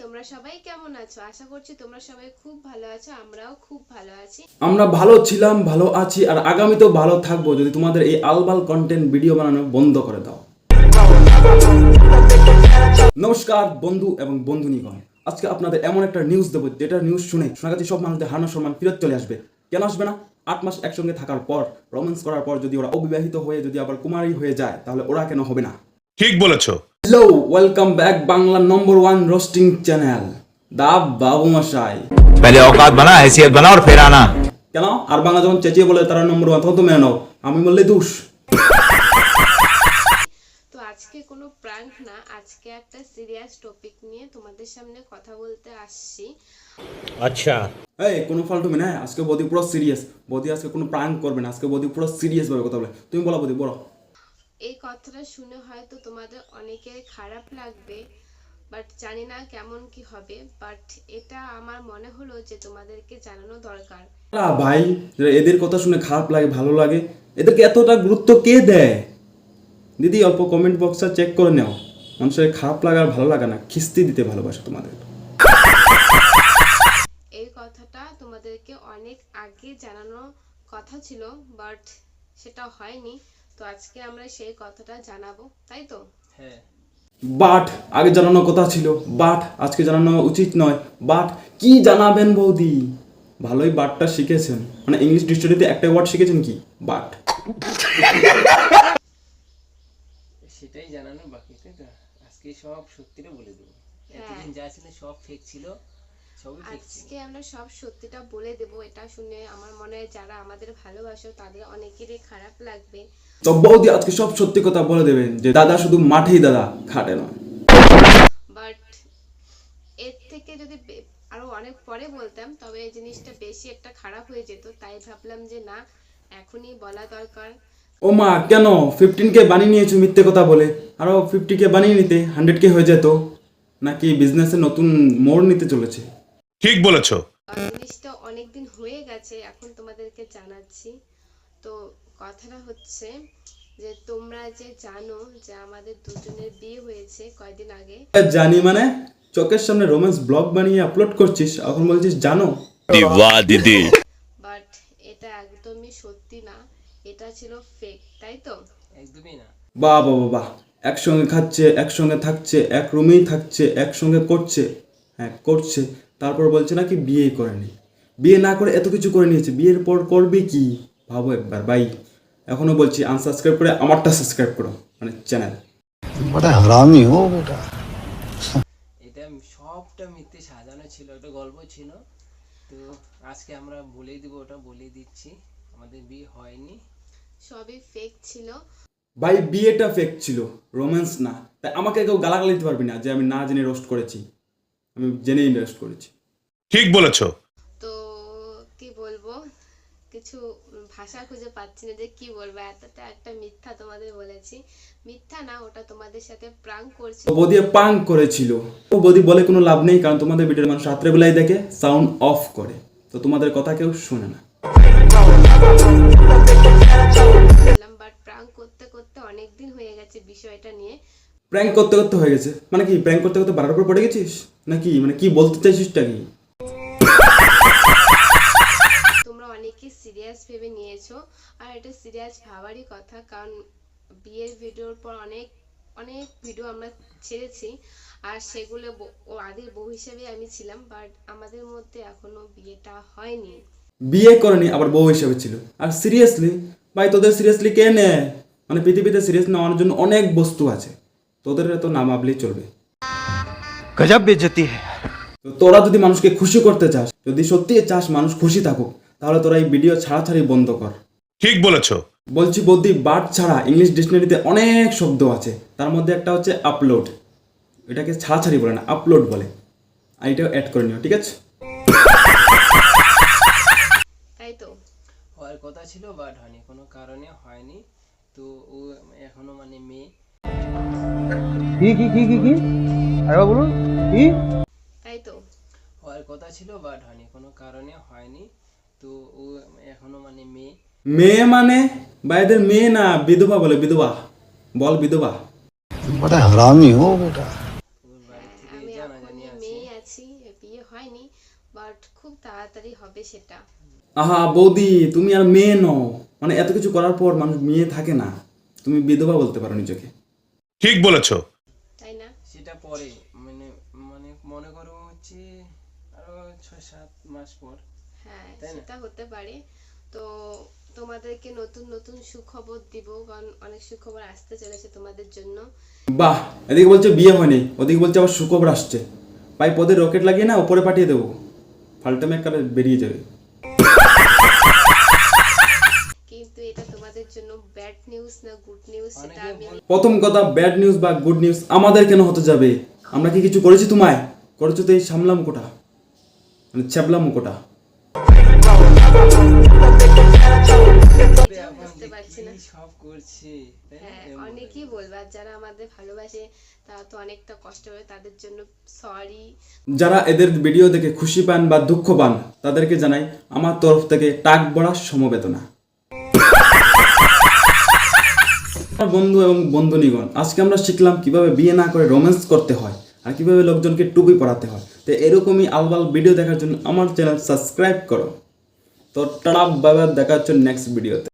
তোমরা সবাই কেমন আছো? আশা করছি তোমরা সবাই খুব ভালো আছো, আমরাও খুব ভালো আছি। আমরা ভালো ছিলাম, ভালো আছি আর আগামীতেও ভালো থাকবো যদি তোমাদের এই আলবাল কন্টেন্ট ভিডিও বানানো বন্ধ করে দাও। নমস্কার বন্ধু এবং বন্ধুনিগণ, আজকে আপনাদের এমন একটা নিউজ দেবো যেটা নিউজ শুনে সোনাগাছি সব মানুষদের হারানো সম্মান ফিরত চলে আসবে। কেন আসবে না? 8 মাস একসঙ্গে থাকার পর, রোম্যান্স করার পর যদি ওরা অবিবাহিত হয়ে যদি আবার কুমারী হয়ে যায় তাহলে ওরা কেন হবে না? ঠিক বলেছো। Hello, welcome back Bangla number 1 roasting channel দা বাবু মশাই। पहले औकात बना, हैसियत बना और फिर आना। কেন আর বাংলা যখন চেঁচিয়ে বলে তারা নম্বর 1 তখন তো মেনে নাও, আমি বললে দোষ। তো আজকে কোনো প্র্যাঙ্ক না, আজকে একটা সিরিয়াস টপিক নিয়ে তোমাদের সামনে কথা বলতে আসছি। अच्छा এই কোনো ফালতু মেয়ে না, আজকে বৌদি পুরো সিরিয়াস। বৌদি আজকে কোনো প্র্যাঙ্ক করবে না, আজকে বৌদি পুরো সিরিয়াস ভাবে কথা বলে। তুমি বলো বৌদি, বলো। এই কথাটা শুনে হয়তো তোমাদের অনেকের খারাপ লাগবে, বাট জানি না কেমন কি হবে, বাট এটা আমার মনে হলো যে তোমাদেরকে জানানো দরকার। ভাই, এদের কথা শুনে খারাপ লাগে ভালো লাগে, এদেরকে এতটা গুরুত্ব কে দেয়? দিদি অল্প কমেন্ট বক্সটা চেক করে নাও, মানুষের খারাপ লাগা আর ভালো লাগা না, খিস্তি দিতে ভালোবাসে তোমাদের। এই কথাটা তোমাদেরকে অনেক আগে জানানো কথা ছিল, বাট সেটা হয়নি। তো আজকে আমরা সেই কথাটা জানাবো, তাই তো? বাট আগে জানানোর কথা ছিল, বাট আজকে জানানো উচিত নয়। বাট কি জানাবেন বৌদি? ভালোই বাটটা শিখেছেন, মানে ইংলিশ ডিকশনারিতে একটা ওয়ার্ড শিখেছেন কি? বাট। সেটাই জানানো বাকি, তাই তো? আজকে সব সত্যিটা বলে দেবো। এতদিন যা ছিল সব ফেক ছিল, সবই ফেক ছিল। আজকে আমরা সব সত্যিটা বলে দেব। এটা শুনে আমার মনে হয় যারা আমাদের ভালোবাসো তাদের অনেকেরই খারাপ লাগবে। তো বৌদি আজকে সব সত্যি কথা বলে দেবেন যে দাদা শুধু মাঠেই দাদা, খাটে নয়। বাট এর থেকে যদি আরো অনেক পরে বলতাম তবে এই জিনিসটা বেশি একটা খারাপ হয়ে যেত, তাই ভাবলাম যে না, এখনই বলা দরকার। ও মা, কেন 15K বানিয়ে নিয়েছো মিথ্যে কথা বলে? আরো 50K বানিয়ে নিতে 100K হয়ে যেত। নাকি বিজনেসে নতুন মোড় নিতে চলেছে? ঠিক বলেছো। জিনিসটা অনেকদিন হয়ে গেছে, এখন তোমাদেরকে জানাচ্ছি। তো কথাটা হচ্ছে যে তোমরা যে জানো যে আমাদের দুজনের বিয়ে হয়েছে কয়দিন আগে। জানি মানে? চোখের সামনে রোম্যান্স ব্লগ বানিয়ে আপলোড করছিস, এখন বলছিস জানো? वाह दीदी। বাট এটা একদমই সত্যি না, এটা ছিল ফেক, তাই তো? একদমই না। বাহ বাহ বাহ, একসঙ্গে খাচ্ছে, একসঙ্গে থাকছে, এক রুমেই থাকছে, একসঙ্গে করছে, হ্যাঁ করছে, তারপর বলছে নাকি বিয়ে করেনি। বিয়ে না করে এত কিছু করে নিয়েছে, বিয়ের পর করবে কি? ভাবো একবার ভাই। এখনো বলছি আনসাবস্ক্রাইব করে আমারটা সাবস্ক্রাইব করো, মানে চ্যানেল। बड़ा हरामी हो बेटा। এটা সবটা মিথ্যে সাজানো ছিল, একটা গল্প ছিল। তো আজকে আমরা বলেই দিব, ওটা বলেই দিচ্ছি, আমাদের বিয়ে হয়নি। সবই ফেক ছিল। ভাই বিয়েটা ফেক ছিল, রোম্যান্স না। তাই আমাকে কেউ গালাগালি দিতে পারবি না যে আমি না জেনে রোস্ট করেছি। আমি জেনেই রোস্ট করেছি। ঠিক বলেছো। তো কি বলবো, কিছু ভাষা খুঁজে পাচ্ছি না যে কি বলবো। এতটা একটা মিথ্যা তোমাদের বলেছি। মিথ্যা না, ওটা তোমাদের সাথে প্রাঙ্ক করছি। তো বদি পাং করেছিল। ও বদি বলে কোনো লাভ নেই, কারণ তোমাদের ভিডিওর মানুষ রাত্রেবেলায় দেখে সাউন্ড অফ করে, তো তোমাদের কথা কেউ শোনে না। বাট প্রাঙ্ক করতে করতে অনেক দিন হয়ে গেছে বিষয়টা নিয়ে। প্র্যাঙ্ক করতে করতে হয়ে গেছে মানে কি? প্র্যাঙ্ক করতে করতে বারোর উপর পড়ে গেছিস নাকি? মানে কি বলতে চাইছিসটা কি? তোমরা অনেকেই সিরিয়াস ভেবে নিয়েছো, আর এটা সিরিয়াস ভাবারই কথা, কারণ বিয়ের ভিডিওর পর অনেক অনেক ভিডিও আমরা ছেড়েছি, আর সেগুলো ও আদির বউ হিসেবে আমি ছিলাম, বাট আমাদের মধ্যে এখনো বিয়েটা হয়নি। বিয়ে করেনি আবার বউ হিসেবে ছিল। আর সিরিয়াসলি ভাই, তোদের সিরিয়াসলি কে নেয়? মানে পৃথিবীতে সিরিয়াস নেওয়ার জন্য অনেক বস্তু আছে, তোদের তো না ভাবলেই চলবে। गजब बेइज्जती है। তো তোরা যদি মানুষকে খুশি করতে চাস, যদি সত্যি চাস মানুষ খুশি থাকুক, তাহলে তোরা এই ভিডিও ছাড়াছাড়ি বন্ধ কর। ঠিক বলেছো। বলছি বৌদি, বাট ছাড়া ইংলিশ ডিকশনারিতে অনেক শব্দ আছে, তার মধ্যে একটা হচ্ছে আপলোড। এটাকে ছাড়াছাড়ি বলে না, আপলোড বলে। আর এটাও অ্যাড করে নিও, ঠিক আছে? তাই তো? হওয়ার কথা ছিল বাট হয়নি, কোনো কারণে হয়নি। তো ও এখনো মানে মেয়ে। কি আরে বলুন কি? তাই তো? হওয়ার কথা ছিল বাট হয়নি, কোনো কারণে হয়নি। তো ও এখনো মানে মেয়ে। মেয়ে মানে ভাইদের মেয়ে না, বিধবা বলে, বিধবা বল, বিধবা। बड़ा हरामी हो बेटा। ওর বাড়ি থেকে জানাজানি জানি আমি আছি মেয়ে আছি, বিয়ে হয়নি, বাট খুব তাড়াতাড়ি হবে সেটা। আহা বৌদি, তুমি আর মেয়ে নও, মানে এত কিছু করার পর মানুষ মেয়ে থাকে না, তুমি বিধবা বলতে পারো নিজেকে। ঠিক বলেছো। তাই না? সেটা পরে মানে মানে মনে করো হচ্ছে আরো 6-7 মাস পর। হ্যাঁ, তাই না? সেটা হতে পারে। তো তোমাদেরকে নতুন নতুন সুখবর দিব, কারণ অনেক সুখবর আসতে চলেছে তোমাদের জন্য। বাহ, এদিকে বলছে বিয়ে হয়নি, ওদিকে বলছে আবার সুখবর আসছে। ভাই পদে রকেট লাগিয়ে না উপরে পাঠিয়ে দেবো, ফাল্টামে একটা বেরিয়ে যাবে। কিন্তু এটা তোমাদের জন্য ব্যাড নিউজ না গুড নিউজ সেটা আমি প্রথম কথা, ব্যাড নিউজ বা গুড নিউজ আমাদের কেন হতে যাবে? আমরা কি কিছু করেছি তোমায়? করেছো তো এই সামলা মুখোটা, মানে ছ্যাবলা মুখোটা। নিজেও বুঝতে পারছি না। কি সব করছে তাই না? হ্যাঁ, অনেকেই বলবে, আর যারা আমাদের ভালোবাসে তারা তো অনেকটা কষ্ট করে, তাদের জন্য সরি। যারা এদের ভিডিও দেখে খুশি পান বা দুঃখ পান তাদেরকে জানাই আমার তরফ থেকে টাক বড়া সমবেদনা। আমার বন্ধু এবং বন্ধুনিগণ, আজকে আমরা শিখলাম কিভাবে বিয়ে না করে রোম্যান্স করতে হয় আর কিভাবে লোকজনকে টুপি পরাতে হয়। তো এরকমই আলবাল ভিডিও দেখার জন্য আমার চ্যানেল সাবস্ক্রাইব করো। তো টাটা, বাই বাই, দেখা হচ্ছে নেক্সট ভিডিওতে।